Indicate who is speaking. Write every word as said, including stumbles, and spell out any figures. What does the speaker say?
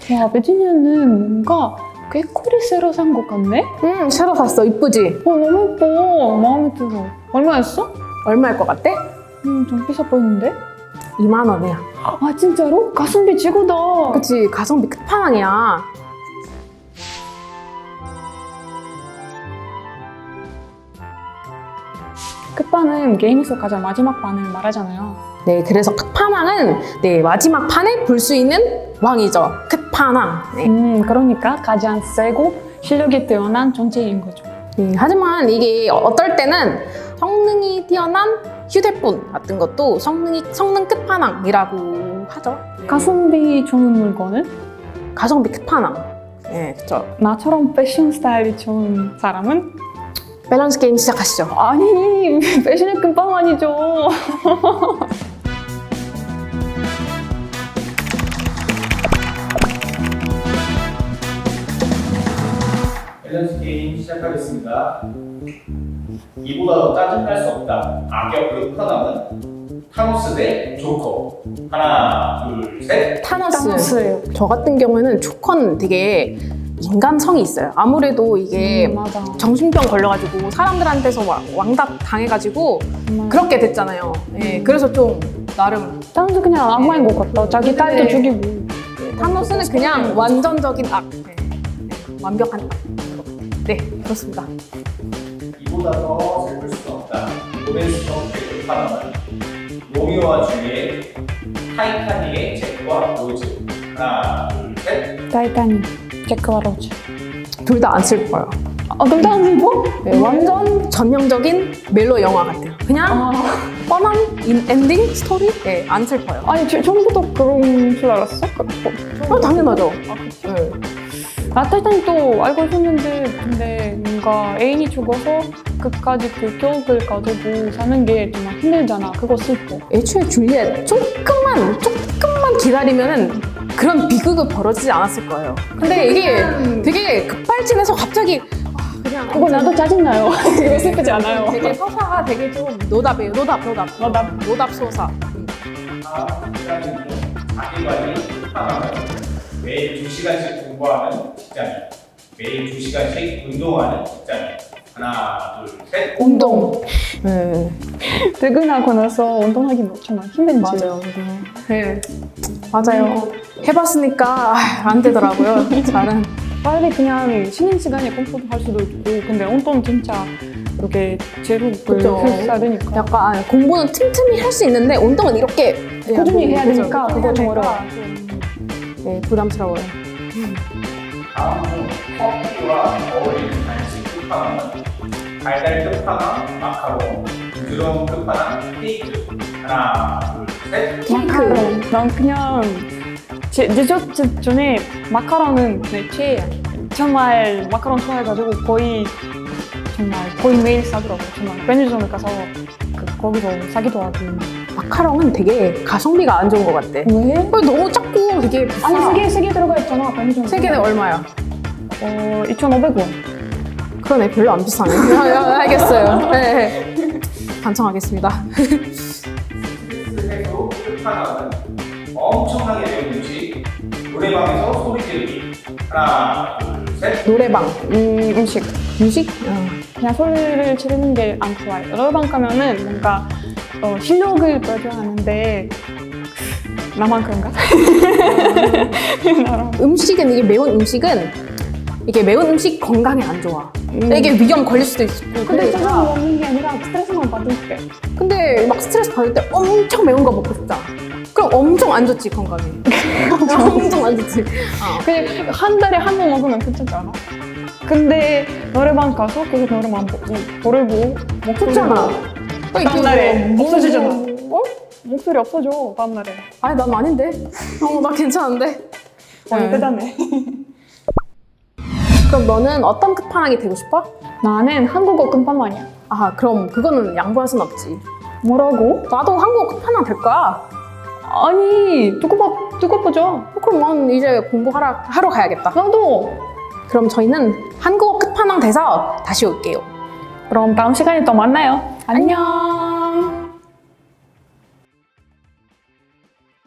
Speaker 1: 와, 베지니아는 뭔가 꾀꼬리 새로 산 것 같네?
Speaker 2: 음, 새로 샀어. 이쁘지?
Speaker 1: 어, 너무 예뻐. 마음에 들어. 얼마였어?
Speaker 2: 얼마일 것 같아?
Speaker 1: 음, 좀 비싸 보이는데?
Speaker 2: 이만 원이야.
Speaker 1: 아, 진짜로? 가성비 최고다.
Speaker 2: 그치, 가성비 끝판왕이야.
Speaker 1: 끝판은 게임에서 가장 마지막 판을 말하잖아요.
Speaker 2: 네, 그래서 끝판왕은 네, 마지막 판에 볼 수 있는 왕이죠. 끝판왕. 네.
Speaker 1: 음, 그러니까 가장 세고 실력이 뛰어난 존재인 거죠.
Speaker 2: 네, 하지만 이게 어떨 때는 성능이 뛰어난 휴대폰 같은 것도 성능이, 성능 끝판왕이라고 하죠.
Speaker 1: 가성비 좋은 물건은?
Speaker 2: 가성비 끝판왕. 네, 그쵸.
Speaker 1: 나처럼 패션 스타일이 좋은 사람은?
Speaker 2: 밸런스 게임 시작하시죠.
Speaker 1: 아니, 패션의 끝판 아니죠.
Speaker 3: 밸런스 게임 시작하겠습니다. 이보다 더 짜증날 수 없다. 악역 끝판왕은 타노스 대 조커. 하나, 둘, 셋.
Speaker 2: 타노스.
Speaker 1: 타노스예요.
Speaker 2: 저 같은 경우에는 조커는 되게 인간성이 있어요. 아무래도 이게
Speaker 1: 음, 맞아.
Speaker 2: 정신병 걸려가지고 사람들한테서 와- 왕답 당해가지고
Speaker 1: 정말.
Speaker 2: 그렇게 됐잖아요. 네, 그래서 좀 나름
Speaker 1: 타노스 그냥 악마인 것 같다. 자기 딸도
Speaker 2: 네.
Speaker 1: 죽이고.
Speaker 2: 타노스는 그냥 완전적인 악. 네. 네, 완벽한 악. 네, 그렇습니다.
Speaker 3: 이보다 더 슬플 수는 없다. 로맨스성 끝판왕은 로미오와 줄리엣, 타이타닉의 잭과 로즈. 하나, 둘, 셋.
Speaker 1: 타이타닉, 잭크와 로즈.
Speaker 2: 둘 다 안 슬퍼요.
Speaker 1: 아, 그럼 다안 슬퍼?
Speaker 2: 네, 완전 전형적인 멜로 영화 같아요. 그냥
Speaker 1: 아,
Speaker 2: 뻔한 인- 엔딩 스토리? 네, 안 슬퍼요.
Speaker 1: 아니, 저- 처음부터 그런 줄 알았어? 그-
Speaker 2: 어, 당연하죠.
Speaker 1: 아, 그치?
Speaker 2: 네.
Speaker 1: 나 타이타닉도 알고 있었는데, 근데 뭔가 애인이 죽어서 끝까지 그 기억을 가지고 사는 게 정말 힘들잖아. 그거 슬퍼.
Speaker 2: 애초에 줄리엣 조금만 조금만 기다리면은 그런 비극이 벌어지지 않았을 거예요. 근데 이게 되게 급발진해서 갑자기 아, 그냥
Speaker 1: 그거 나도 짜증나요. 그거 슬프지 않아요.
Speaker 2: 되게 서사가 되게 좀 노답이에요. 노답, 노답,
Speaker 1: 노답.
Speaker 2: 노답 소사.
Speaker 3: 다음 직장인 중 자기관리 끝판왕은 매일 두 시간씩 공부하는 직장인. 매일 두 시간씩 운동하는 직장인. 하나, 둘, 셋.
Speaker 2: 운동. 네,
Speaker 1: 퇴근하고 나서 운동하기 정말 힘든지.
Speaker 2: 맞아요. 네, 맞아요. 해봤으니까 아, 안 되더라고요. 잘은.
Speaker 1: 빨리 그냥 쉬는 시간에 컴퓨터 할 수도 있고, 근데 운동 진짜 이렇게 제로를
Speaker 2: 그죠.
Speaker 1: 해야 되니까.
Speaker 2: 약간 공부는 틈틈이 할 수 있는데 운동은 이렇게 그냥
Speaker 1: 꾸준히
Speaker 2: 뭐,
Speaker 1: 해야
Speaker 2: 그죠.
Speaker 1: 되니까 그거
Speaker 2: 해야
Speaker 1: 좀
Speaker 2: 되니까
Speaker 1: 어려워.
Speaker 2: 네, 부담스러워요.
Speaker 3: 다음 중 커피와 어울리는 간식 끝판왕은 달달 끝판왕 마카롱, 부드러운 끝판왕 케이크. 하나, 둘, 셋.
Speaker 1: 마카롱. 난 그냥 제, 디저트 전에 마카롱은 내 최애야. 정말 마카롱 좋아해가지고 거의 정말 거의 매일 사더라고. 정말 편의점에 가서 그, 거기서 사기도 하고.
Speaker 2: 마카롱은 되게 가성비가 안 좋은 것 같아.
Speaker 1: 왜?
Speaker 2: 너무 작고 되게 비싸.
Speaker 1: 아니 세개 세 개 들어가 있잖아. 편의점.
Speaker 2: 세 개는 얼마야?
Speaker 1: 어 이천오백 원.
Speaker 2: 그러네, 별로 안 비싸네. 아, 알겠어요. 네. 반성하겠습니다.
Speaker 3: 스트레스 해소 끝판왕은 엄청나게 매운 음식. 노래방에서 소리 지르기. 하나, 둘, 셋.
Speaker 2: 노래방,
Speaker 1: 음 음식.
Speaker 2: 음식?
Speaker 1: 그냥 소리를 지르는 게 안 좋아요. 노래방 가면은 뭔가 어, 실력을 보여줘야 하는데 나만 그런가? 나랑.
Speaker 2: 음식은 이게 매운 음식은 이게 매운 음식 건강에 안 좋아.
Speaker 1: 음.
Speaker 2: 이게 위험 걸릴 수도 있고.
Speaker 1: 근데
Speaker 2: 그러니까.
Speaker 1: 짜장 먹는 게 아니라 스트레스만 받을 때.
Speaker 2: 근데 막 스트레스 받을 때 엄청 매운 거 먹고 싶다. 그럼 엄청 안 좋지, 건강에. 엄청 안 좋지. 어.
Speaker 1: 그냥 한 달에 한 번 먹으면 괜찮지 않아? 근데 노래방 가서 계속 노래만 보고 부르고 목소리
Speaker 2: 좋잖아.
Speaker 1: 다음 날에 없어지잖아.
Speaker 2: 어?
Speaker 1: 목소리 없어져 다음 날에.
Speaker 2: 아니, 난 아닌데. 어, 나 괜찮은데.
Speaker 1: 와
Speaker 2: 네.
Speaker 1: 대단해.
Speaker 2: 그럼 너는 어떤 끝판왕이 되고 싶어?
Speaker 1: 나는 한국어 끝판왕이야.
Speaker 2: 아, 그럼 그거는 양보할 순 없지.
Speaker 1: 뭐라고?
Speaker 2: 나도 한국어 끝판왕 될 거야.
Speaker 1: 아니 두고 봐 두고 보죠.
Speaker 2: 그럼 난 이제 공부하러 하러 가야겠다.
Speaker 1: 나도.
Speaker 2: 그럼 저희는 한국어 끝판왕 돼서 다시 올게요.
Speaker 1: 그럼 다음 시간에 또 만나요.
Speaker 2: 안녕.